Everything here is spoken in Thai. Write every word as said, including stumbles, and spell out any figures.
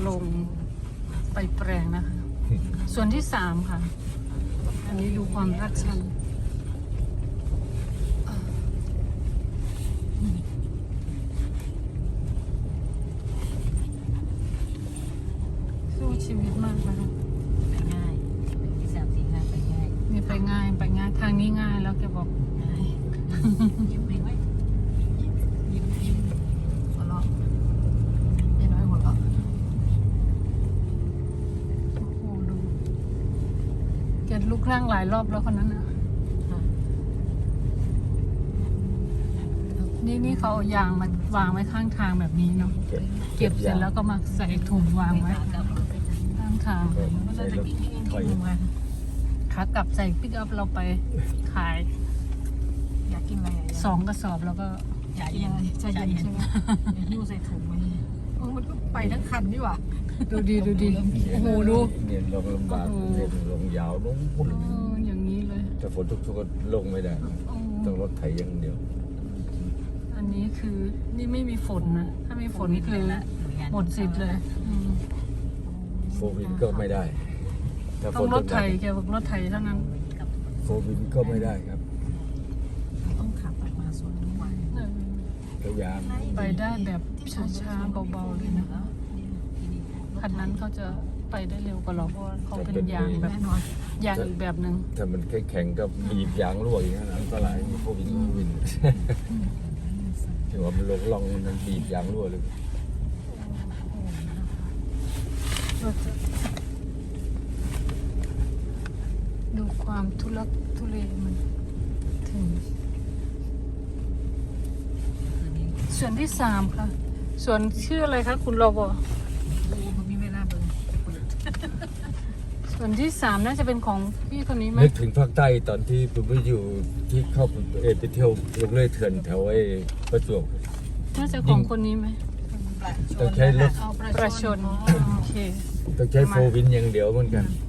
ลงไปแปลงนะคะ ส่วนที่สามค่ะ อันนี้ดูความรัดชันสู้ชีวิตมากนะคะไปง่ายสามสี่ห้าไปง่ายนี่ไปง่ายไปง่ายทางนี้ง่ายแล้วแกบอกง่ายยิ้มไปไว้ยิ้มยิ้มยิ้มหัวเราะยายน้อยหัวเราะโอ้โหดูแกลุกนั่งหลายรอบแล้วคนนั้นนะนี่นี่เขาเอายางมาวางไว้ข้างทางแบบนี้เนาะเก็บเสร็จแล้วก็มาใส่ถุงวางไว้ข้างทางใส่รถถอยมาขากลับใส่ปิกอัพเราไปขายอยากกินอะไรสองกระสอบแล้วก็อยากเย็นใช่เย็นใช่ไหมหิ้วใส่ถุงไว้เออมันก็ไปทั้งคันนี่หว่าดูดีดูดีโอ้โหดูเนี่ยลงลำบากเนี่ยลงยาวลงพุ่นเอออย่างนี้เลยถ้าฝนตกชุกก็ลงไม่ได้โอ้ต้องรถไถอย่างเดียวอันนี้คือนี่ไม่มีฝนนะถ้ามีฝนนี่คือหมดสิทธิ์เลยอืมโฟวินก็ไม่ได้ถ้าฝต้องนรตถกไถแกบอกรถไถเท่านั้นโฟวินก็ไม่ได้ครับต้องขับออกมาสวนทุกวันเออพยายามไปได้แบบช้าๆเบาๆเลยนะคันนั้นเขาจะไปได้เร็วกว่าเราเพราะว่าเขาเป็นยางแบบแน่นอนยางอีกแบบหนึ่งถ้ามันแข็งๆก็บีบยางรั่วอย่างนั้นอันตรายโฟวินโฟวินถือว่ามันลงล่องมันบีบยางรั่วเลยดูความทุลักทุเลมันถึง ส่วนที่สามค่ะ ส่วนชื่ออะไรคะคุณรบมันมีเวลาเบิ่งส่วนที่สามน่าจะเป็นของพี่คนนี้ไหมนึกถึงภาคใต้ตอนที่ผมไปอยู่ที่เข้าเอ่อไปเที่ยวลงเลื่อยเถื่อนแถวไอ้ประจวบน่าจะของคนนี้ไหมต้องใช้รถประชนโอเคต้องใช้โฟวินอย่างเดียวเหมือนกันอ